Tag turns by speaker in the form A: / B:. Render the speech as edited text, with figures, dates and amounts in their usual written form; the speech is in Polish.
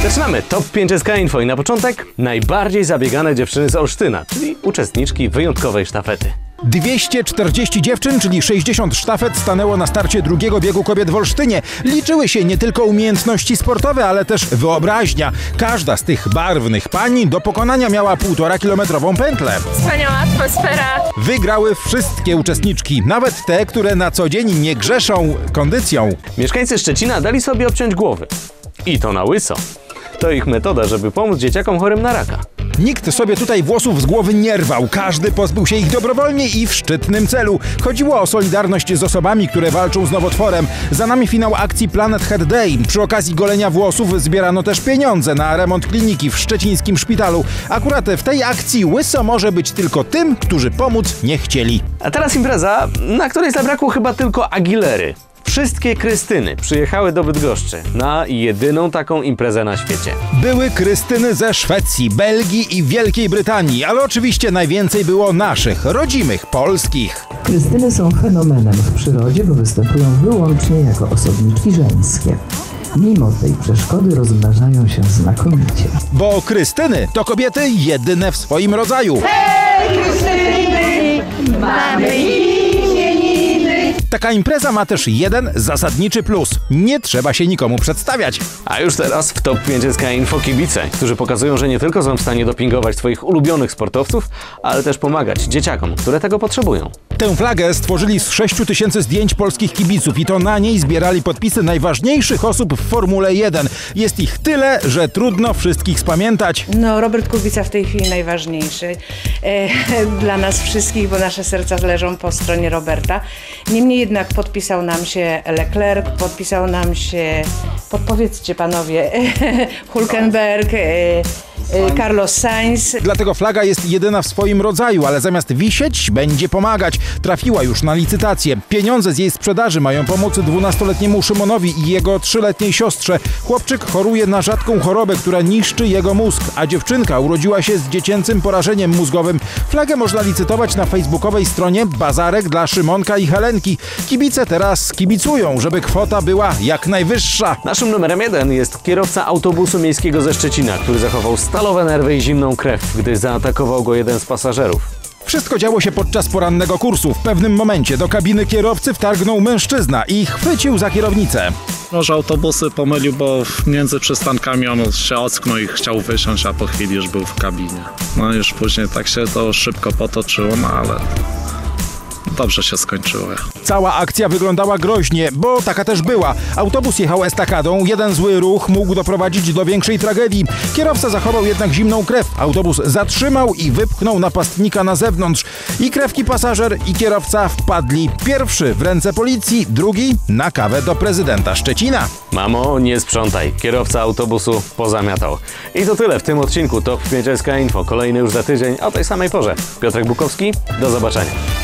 A: Zaczynamy Top 5 SK Info i na początek najbardziej zabiegane dziewczyny z Olsztyna, czyli uczestniczki wyjątkowej sztafety.
B: 240 dziewczyn, czyli 60 sztafet stanęło na starcie drugiego biegu kobiet w Olsztynie. Liczyły się nie tylko umiejętności sportowe, ale też wyobraźnia. Każda z tych barwnych pań do pokonania miała 1,5-kilometrową pętlę.
C: Wspaniała atmosfera.
B: Wygrały wszystkie uczestniczki, nawet te, które na co dzień nie grzeszą kondycją.
A: Mieszkańcy Szczecina dali sobie obciąć głowy. I to na łyso. To ich metoda, żeby pomóc dzieciakom chorym na raka.
B: Nikt sobie tutaj włosów z głowy nie rwał. Każdy pozbył się ich dobrowolnie i w szczytnym celu. Chodziło o solidarność z osobami, które walczą z nowotworem. Za nami finał akcji Planet Head Day. Przy okazji golenia włosów zbierano też pieniądze na remont kliniki w szczecińskim szpitalu. Akurat w tej akcji łyso może być tylko tym, którzy pomóc nie chcieli.
A: A teraz impreza, na której zabrakło chyba tylko Aguilery. Wszystkie Krystyny przyjechały do Bydgoszczy na jedyną taką imprezę na świecie.
B: Były Krystyny ze Szwecji, Belgii i Wielkiej Brytanii, ale oczywiście najwięcej było naszych, rodzimych, polskich.
D: Krystyny są fenomenem w przyrodzie, bo występują wyłącznie jako osobniczki żeńskie. Mimo tej przeszkody rozmnażają się znakomicie.
B: Bo Krystyny to kobiety jedyne w swoim rodzaju.
C: Hej, Krystyny, mamy imieniny.
B: Taka impreza ma też jeden zasadniczy plus. Nie trzeba się nikomu przedstawiać.
A: A już teraz w Top 5 SK Info kibice, którzy pokazują, że nie tylko są w stanie dopingować swoich ulubionych sportowców, ale też pomagać dzieciakom, które tego potrzebują.
B: Tę flagę stworzyli z 6 000 zdjęć polskich kibiców i to na niej zbierali podpisy najważniejszych osób w Formule 1. Jest ich tyle, że trudno wszystkich spamiętać.
E: No, Robert Kubica w tej chwili najważniejszy dla nas wszystkich, bo nasze serca leżą po stronie Roberta. Niemniej jednak podpisał nam się Leclerc, podpisał nam się, podpowiedzcie panowie, Hülkenberg, Carlos Sainz.
B: Dlatego flaga jest jedyna w swoim rodzaju, ale zamiast wisieć, będzie pomagać. Trafiła już na licytację. Pieniądze z jej sprzedaży mają pomóc 12-letniemu Szymonowi i jego 3-letniej siostrze. Chłopczyk choruje na rzadką chorobę, która niszczy jego mózg, a dziewczynka urodziła się z dziecięcym porażeniem mózgowym. Flagę można licytować na facebookowej stronie Bazarek dla Szymonka i Helenki. Kibice teraz kibicują, żeby kwota była jak najwyższa.
A: Naszym numerem 1 jest kierowca autobusu miejskiego ze Szczecina, który zachował stalowe nerwy i zimną krew, gdy zaatakował go jeden z pasażerów.
B: Wszystko działo się podczas porannego kursu. W pewnym momencie do kabiny kierowcy wtargnął mężczyzna i chwycił za kierownicę.
F: Może autobusy pomylił, bo między przystankami on się ocknął i chciał wysiąść, a po chwili już był w kabinie. No już później tak się to szybko potoczyło, no ale dobrze się skończyło.
B: Cała akcja wyglądała groźnie, bo taka też była. Autobus jechał estakadą, jeden zły ruch mógł doprowadzić do większej tragedii. Kierowca zachował jednak zimną krew. Autobus zatrzymał i wypchnął napastnika na zewnątrz. I krewki pasażer, i kierowca wpadli. Pierwszy w ręce policji, drugi na kawę do prezydenta Szczecina.
A: Mamo, nie sprzątaj. Kierowca autobusu pozamiatał. I to tyle w tym odcinku Top 5 SK Info. Kolejny już za tydzień o tej samej porze. Piotrek Bukowski, do zobaczenia.